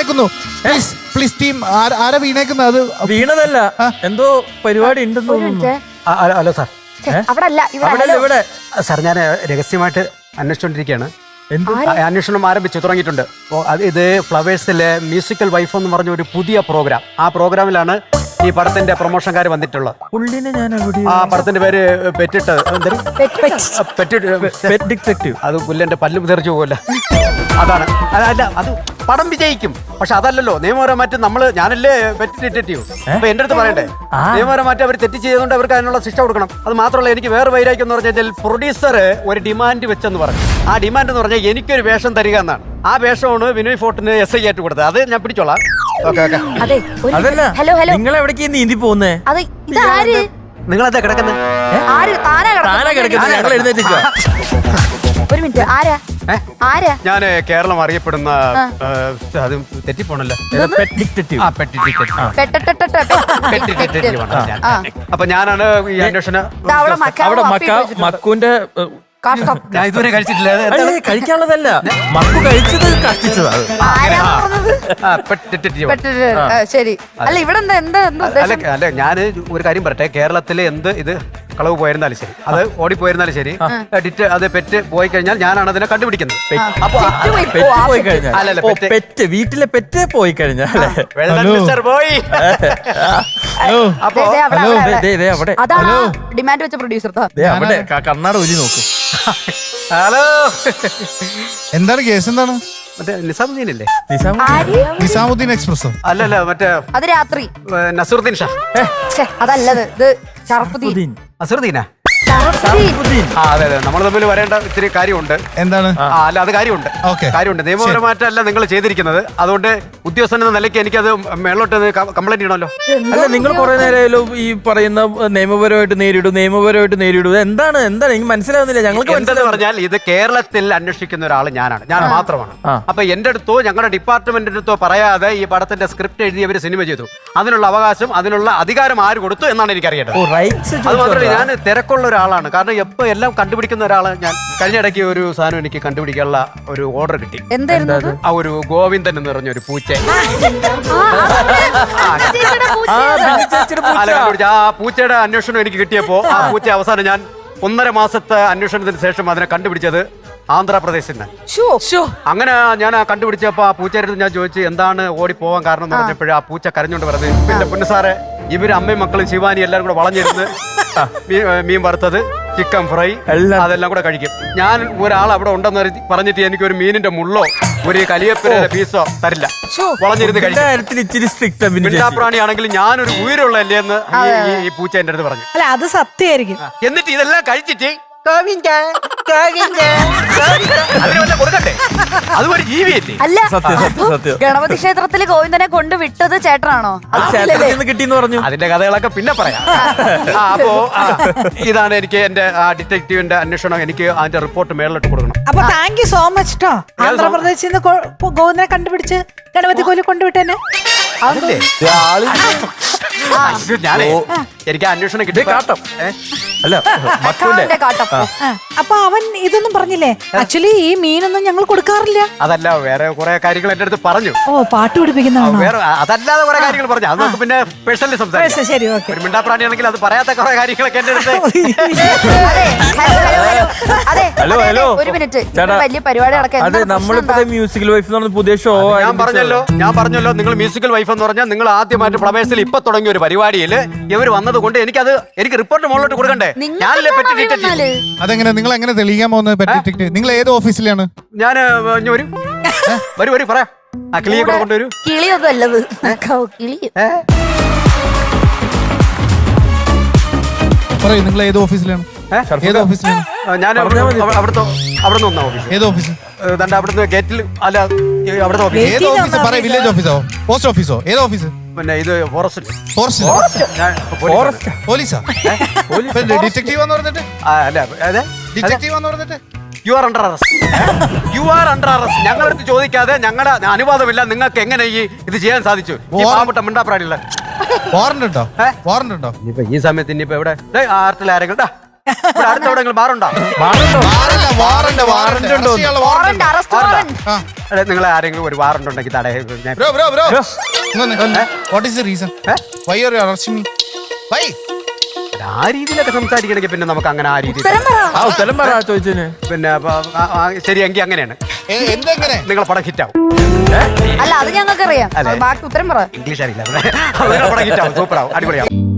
വീണേക്കുന്നു. Please team ആരാ വീണേക്കുന്നത്? അത് വീണതല്ല, എന്തോ പരിപാടി ഉണ്ടെന്ന് തോന്നുന്നു. Hello sir. അവിടെ അല്ല, ഇവിടെ സാർ ഞാൻ രഹസ്യമായിട്ട് അന്വേഷിച്ചുകൊണ്ടിരിക്കുകയാണ്. അന്വേഷണം തുടങ്ങിയിട്ടുണ്ട്. ഇത് ഫ്ലവേഴ്സിലെ മ്യൂസിക്കൽ വൈഫ് എന്ന് പറഞ്ഞ ഒരു പുതിയ പ്രോഗ്രാം. ആ പ്രോഗ്രാമിലാണ് ഈ പടത്തിന്റെ പ്രൊമോഷൻകാർ വന്നിട്ടുള്ളത്. പുള്ളിനെ ഞാൻ ആ പടത്തിന്റെ പേര് പെറ്റിട്ട് അത് പുല്ലന്റെ പല്ല് തെറിച്ചു പോകല്ല. അതാണ്. അല്ല, അത് പടം വിജയിക്കും. പക്ഷെ അതല്ലല്ലോ നിയമപരമായിട്ട് ഞാനല്ലേ പെറ്റ് ഡിറ്റക്റ്റീവ്. അപ്പൊ എന്റെ അടുത്ത് പറയണ്ടേ, നിയമപരമായിട്ട് അവർ തെറ്റ് ചെയ്തുകൊണ്ട് അവർക്ക് അതിനുള്ള ശിക്ഷ കൊടുക്കണം. അത് മാത്രമല്ല, എനിക്ക് വേറെ വൈരാഗ്യം എന്ന് പറഞ്ഞാൽ പ്രൊഡ്യൂസർ ഒരു ഡിമാൻഡ് വെച്ചെന്ന് പറഞ്ഞു. ആ ഡിമാൻഡ് എന്ന് പറഞ്ഞാൽ എനിക്കൊരു വേഷം തരിക എന്നാണ്. ആ വേഷമാണ് വിനോയ് ഫോർട്ടിന് SI ആയിട്ട് കൊടുത്തത്. അത് ഞാൻ പിടിച്ചോളാം. അതല്ല, നിങ്ങൾ എവിടേക്ക് നീന്തി പോകുന്നേ? നിങ്ങളെന്താ കിടക്കുന്നത്? ഞങ്ങൾ എഴുന്നേറ്റില്ല. ഒരു മിനിറ്റ്, ആരാ? ഞാൻ കേരളം അറിയപ്പെടുന്ന അത് തെറ്റിപ്പോണല്ലോ. അപ്പൊ ഞാനാണ് ഈ അന്വേഷണം. അവിടെ മക്കുവിന്റെ ഞാൻ ഇതുവരെ കഴിച്ചിട്ടില്ല. കഴിക്കാനുള്ളതല്ല, മക്കു കഴിച്ചത് കഷ്ടിച്ചതാണ്. ശരി. അല്ല, ഇവിടെ അല്ല, ഞാൻ ഒരു കാര്യം പറയട്ടെ. കേരളത്തിലെ എന്ത് ഇത് കളവ് പോയിരുന്നാലും ശരി, അത് ഓടിപ്പോയിരുന്നാലും ശരി, അത് പെറ്റ് പോയി കഴിഞ്ഞാൽ ഞാനാണ് അതിനെ കണ്ടുപിടിക്കുന്നത്. വീട്ടിലെ പെറ്റ് പോയി കഴിഞ്ഞാൽ ഡിമാൻഡ് വെച്ച പ്രൊഡ്യൂസർ കണ്ണാട ഒലി നോക്കും. ഹലോ, എന്താണ് കേസ്? എന്താണ്? മറ്റേ നിസാമുദ്ദീനല്ലേ? നിസാമുദ്ദീൻ എക്സ്പ്രസോ? അല്ലല്ല, മറ്റേ അത് രാത്രി നസറുദ്ദീൻ ഷാ. അതല്ലത്, ഇത് ഷറഫുദ്ദീൻ. അസറുദ്ദീനാ? അതെ, നമ്മൾ തമ്മിൽ വരേണ്ട ഇത്തിരി കാര്യമുണ്ട്. എന്താണ്? അല്ല, അത് കാര്യമുണ്ട്. നിയമപരമായിട്ടല്ല നിങ്ങൾ ചെയ്തിരിക്കുന്നത്. അതുകൊണ്ട് ഉദ്യോഗസ്ഥൻ എന്ന നിലയ്ക്ക് എനിക്കത് മേളോട്ട് കംപ്ലൈന്റ് ചെയ്യണമല്ലോ. അല്ല, നിങ്ങൾ കുറെ നേരം ഈ പറയുന്ന നിയമപരമായിട്ട് നേരിടും. എന്താണ് എനിക്ക് മനസ്സിലാവുന്നില്ല. ഞങ്ങൾക്ക് എന്തെന്ന് പറഞ്ഞാൽ, ഇത് കേരളത്തിൽ അന്വേഷിക്കുന്ന ഒരാൾ ഞാൻ മാത്രമാണ്. അപ്പൊ എന്റെ അടുത്തോ ഞങ്ങളുടെ ഡിപ്പാർട്ട്മെന്റിന്റെ അടുത്തോ പറയാതെ ഈ പടത്തിന്റെ സ്ക്രിപ്റ്റ് എഴുതി അവർ സിനിമ ചെയ്തു. അതിനുള്ള അവകാശം, അതിനുള്ള അധികാരം ആര് കൊടുത്തു എന്നാണ് എനിക്ക് അറിയേണ്ടത്. അത് മാത്രമല്ല, ഞാൻ തിരക്കുള്ള ഒരാളാണ്. കാരണം എപ്പോ എല്ലാം കണ്ടുപിടിക്കുന്ന ഒരാളാണ് ഞാൻ. കഴിഞ്ഞ ഇടയ്ക്ക് ഒരു സാധനം എനിക്ക് കണ്ടുപിടിക്കാനുള്ള ഒരു ഓർഡർ കിട്ടി. ആ ഒരു ഗോവിന്ദൻ എന്ന് പറഞ്ഞ ഒരു പൂച്ച. ആ പൂച്ചയുടെ അന്വേഷണം എനിക്ക് കിട്ടിയപ്പോ ആ പൂച്ച അവസാനം ഞാൻ 1.5 മാസത്തെ അന്വേഷണത്തിന് ശേഷം അതിനെ കണ്ടുപിടിച്ചത് ആന്ധ്രാപ്രദേശിൽ നിന്ന്. അങ്ങനെ ഞാൻ കണ്ടുപിടിച്ചപ്പോ ആ പൂച്ചയുടെ ഞാൻ ചോദിച്ചു എന്താണ് ഓടിപ്പോവാൻ കാരണം എന്ന് പറഞ്ഞപ്പോഴും ആ പൂച്ച കരഞ്ഞോണ്ട് പറഞ്ഞത്, പിന്നെ പൊന്നുസാറെ, ഇവര് അമ്മയും മക്കളും ശിവാനി എല്ലാരും കൂടെ വളഞ്ഞിരുന്ന് മീൻ വറുത്തത്, ചിക്കൻ ഫ്രൈ അതെല്ലാം കൂടെ കഴിക്കും. ഞാൻ ഒരാൾ അവിടെ ഉണ്ടെന്ന് പറഞ്ഞിട്ട് എനിക്ക് ഒരു മീനിന്റെ മുള്ളോ ഒരു കലിയപ്പിന്റെ പീസോ തരില്ല. വളഞ്ഞിരുന്ന് കഴിക്കും. മിണ്ടാപ്രാണിയാണെങ്കിൽ ഞാനൊരു ഉയരമുള്ളല്ലേ എന്ന് ഈ പൂച്ച എന്റെ അടുത്ത് പറഞ്ഞു. അല്ല, അത് സത്യമായിരിക്കും. എന്നിട്ട് ഇതെല്ലാം കഴിച്ചിട്ട് കൊടുക്കട്ടെ, അതുപോലെ ജീവിയല്ലേ? അല്ല, ഗണപതി ക്ഷേത്രത്തില് ഗോവിന്ദനെ കൊണ്ട് വിട്ടത് ചേട്ടനാണോ? കിട്ടിയെന്ന് പറഞ്ഞു. അതിന്റെ കഥകളൊക്കെ പിന്നെ പറയാം. അപ്പോ ഇതാണ് എനിക്ക് എന്റെ ഡിറ്റക്റ്റീവിന്റെ അന്വേഷണം. എനിക്ക് അതിന്റെ റിപ്പോർട്ട് മേളിലിട്ട് കൊടുക്കണം. അപ്പൊ താങ്ക് യു സോ മച്ച് ട്ടോ. ആന്ധ്രാപ്രദേശിൽ നിന്ന് ഗോവിന്ദനെ കണ്ടുപിടിച്ച് ഗണപതി കോലി കൊണ്ടുവിട്ടേനെ. ഞാനേ എനിക്ക് അന്വേഷണം കിട്ടി. അല്ല, അപ്പൊ അവൻ ഇതൊന്നും പറഞ്ഞില്ലേ? ആക്ച്വലി ഈ മീനൊന്നും ഞങ്ങൾ കൊടുക്കാറില്ല. അതല്ല, വേറെ കുറെ കാര്യങ്ങൾ എന്റെ അടുത്ത് പറഞ്ഞു. പാട്ട് പഠിപ്പിക്കുന്നതാണോ? വേറെ അതല്ലാതെ കുറെ കാര്യങ്ങൾ പറഞ്ഞു. അത് നമുക്ക് പിന്നെ പേഴ്സണലി സംസാരിക്കാം. ശരി, ഓക്കെ. ഒരു മിണ്ടാപ്രാണിയാണെങ്കിൽ അത് പറയാത്ത കുറെ കാര്യങ്ങളൊക്കെ എന്റെ അടുത്ത്. ഒരു മിനിറ്റ്, വലിയ പരിപാടി നടക്കാൻ. അതെ, നമ്മളിപ്പോ മ്യൂസിക്കൽ വൈഫ് എന്ന് പറഞ്ഞ പുതിയ ഷോ. ഞാൻ പറഞ്ഞല്ലോ നിങ്ങൾ മ്യൂസിക്കൽ വൈഫ് എന്ന് പറഞ്ഞാൽ നിങ്ങൾ ആദ്യമായിട്ട് ഫ്ലവേഴ്സിൽ ഇപ്പൊ തുടങ്ങിയ ഒരു പരിപാടിയിൽ ഇവർ വന്നത് കൊണ്ട് എനിക്ക് റിപ്പോർട്ട് മുകളിലോട്ട് കൊടുക്കണ്ടേ? അതെങ്ങനെ നിങ്ങൾ എങ്ങനെ തെളിയിക്കാൻ പോകുന്നത്? നിങ്ങൾ ഏത് ഓഫീസിലാണ്? ഞാൻ വരൂ പറയാം. ആ കിളിയെ കൂടെ കൊണ്ടുവരൂ. കിളിയൊന്നും അല്ലത്, കിളി. പറയൂ, നിങ്ങൾ ഏത് ഓഫീസിലാണ്? ഏത് ഓഫീസിലാണ്? ഞാൻ അവിടെ നിന്ന് ഓഫീസ്. ഏത് ഓഫീസ്? അവിടുന്ന് ഗേറ്റിൽ. അല്ല, അവിടുത്തെ ഓഫീസ്. ഏത് ഓഫീസ്? പറയൂ. വില്ലേജ് ഓഫീസോ, പോസ്റ്റ് ഓഫീസോ? ഏത് ഓഫീസ്? പിന്നെ ഇത് ഫോറസ്റ്റ്. പോലീസാ? ഡിറ്റക്റ്റീവ് എന്ന് പറഞ്ഞിട്ട്? അല്ല, ഡിറ്റക്റ്റീവ് എന്ന് പറഞ്ഞിട്ട് യു ആർ അണ്ടർ അറസ്റ്റ്. ഞങ്ങളടുത്ത് ചോദിക്കാതെ, ഞങ്ങളുടെ അനുവാദമില്ല, നിങ്ങൾക്ക് എങ്ങനെ ഇത് ചെയ്യാൻ സാധിച്ചു? മിണ്ടാപ്രാണിയുള്ള വാറണ്ട് ഉണ്ടോ? വാറണ്ട് ഉണ്ടോ? ഈ സമയത്ത് ഇനിയിപ്പോ ഇവിടെ ആർട്ടിൽ ആരെങ്കിലും അടുത്തെവിടെങ്കിലും ബാറുണ്ടോ? വാറണ്ട് ഉണ്ടോ? വാറണ്ട് അറസ്റ്റ് വാറണ്ട് നിങ്ങൾ ആരെങ്കിലും ഒരു വാറണ്ട് ഉണ്ടെങ്കിൽ ഞാൻ bro what is the reason why are you arresting me why ആ രീതിയിലൊക്കെ സംസാരിക്കണമെങ്കിൽ പിന്നെ നമുക്ക് അങ്ങനെ ആ രീതിയിൽ ഉത്തരം പറ ഉത്തരം പറ ചോദിച്ചതിന്. പിന്നെ ശരി എങ്കിൽ അങ്ങനെയാണ് എന്തെങ്ങനെ നിങ്ങളെ പടം ഹിറ്റാവും. അല്ല അത് ഞങ്ങൾക്ക് അറിയാം ബാക്കി ഉത്തരം പറ ഇംഗ്ലീഷ് അറിയില്ല നിങ്ങളെ പടം ഹിറ്റാവും, സൂപ്പറാവും, അടിപൊളിയാവും.